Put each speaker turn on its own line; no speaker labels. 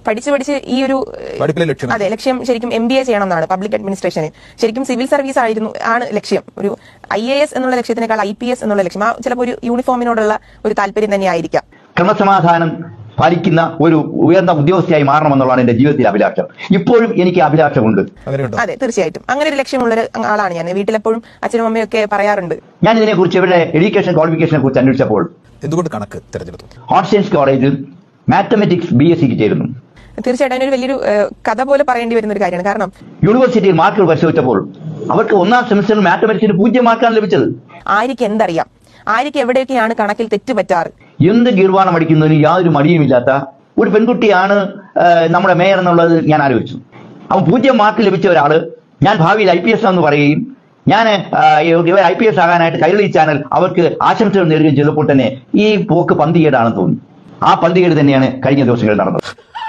പഠിച്ച് ഈ ഒരു അതെ ലക്ഷ്യം ശരിക്കും MBA ചെയ്യണം എന്നാണ്, പബ്ലിക് അഡ്മിനിസ്ട്രേഷന്. ശരിക്കും സിവിൽ സർവീസ് ആണ് ലക്ഷ്യം. ഒരു IAS എന്നുള്ള ലക്ഷ്യത്തിനേക്കാൾ IPS എന്നുള്ള ലക്ഷ്യം, ആ ചിലപ്പോൾ ഒരു യൂണിഫോമിനോടുള്ള ഒരു താല്പര്യം തന്നെയായിരിക്കാം.
ക്രമസമാധാനം പാലിക്കുന്ന ഒരു ഉയർന്ന ഉദ്യോഗസ്ഥയായി മാറണമെന്നുള്ളതാണ് എന്റെ ജീവിതത്തിലെ അഭിലാഷം. ഇപ്പോഴും എനിക്ക് അഭിലാഷമുണ്ട്.
അതെ, തീർച്ചയായിട്ടും അങ്ങനെ ഒരു ലക്ഷ്യമുള്ള ആളാണ് ഞാൻ. വീട്ടിലെപ്പോഴും അച്ഛനും അമ്മയും ഒക്കെ പറയാറുണ്ട്.
ഞാൻ ഇതിനെക്കുറിച്ച് ഇവരുടെ എഡ്യൂക്കേഷൻ ക്വാളിഫിക്കേഷനെ കുറിച്ച് അന്വേഷിച്ചപ്പോൾ
എന്തുകൊണ്ട് കണക്ക് തിരഞ്ഞെടുത്തു?
ആർട്സ് സയൻസ് കോളേജിൽ മാത്തമെറ്റിക്സ് BSc ചേരുന്നു.
തീർച്ചയായിട്ടും അതിനൊരു വലിയൊരു കഥ പോലെ പറയേണ്ടി വരുന്ന ഒരു കാര്യമാണ്. കാരണം
യൂണിവേഴ്സിറ്റിയിൽ മാർക്കുകൾ പരിശോധിച്ചപ്പോൾ അവർക്ക് ഒന്നാം സെമിസ്റ്ററിൽ മാത്തമെറ്റിക്സിന് 0 മാർക്കാണ് ലഭിച്ചത്.
ആര്യക്ക് എന്തറിയാം, ആര്യക്ക് എവിടെയൊക്കെയാണ് കണക്കിൽ തെറ്റുപറ്റാറ്?
എന്ത് ഗീർവാണം അടിക്കുന്നതിന് യാതൊരു മടിയുമില്ലാത്ത ഒരു പെൺകുട്ടിയാണ് നമ്മുടെ മേയർ എന്നുള്ളത് ഞാൻ ആലോചിച്ചു. അവൻ 0 മാർക്ക് ലഭിച്ച ഒരാള് ഞാൻ ഭാവിയിൽ IPS എന്ന് പറയുകയും ഞാൻ ഇവർ IPS ആകാനായിട്ട് കൈരളി ചാനൽ അവർക്ക് ആശംസകൾ നേടുകയും ചെയ്തപ്പോൾ തന്നെ ഈ പോക്ക് പന്തികേടാണെന്ന് തോന്നി. ആ പന്തികേട് തന്നെയാണ് കഴിഞ്ഞ ദിവസങ്ങളിൽ നടന്നത്.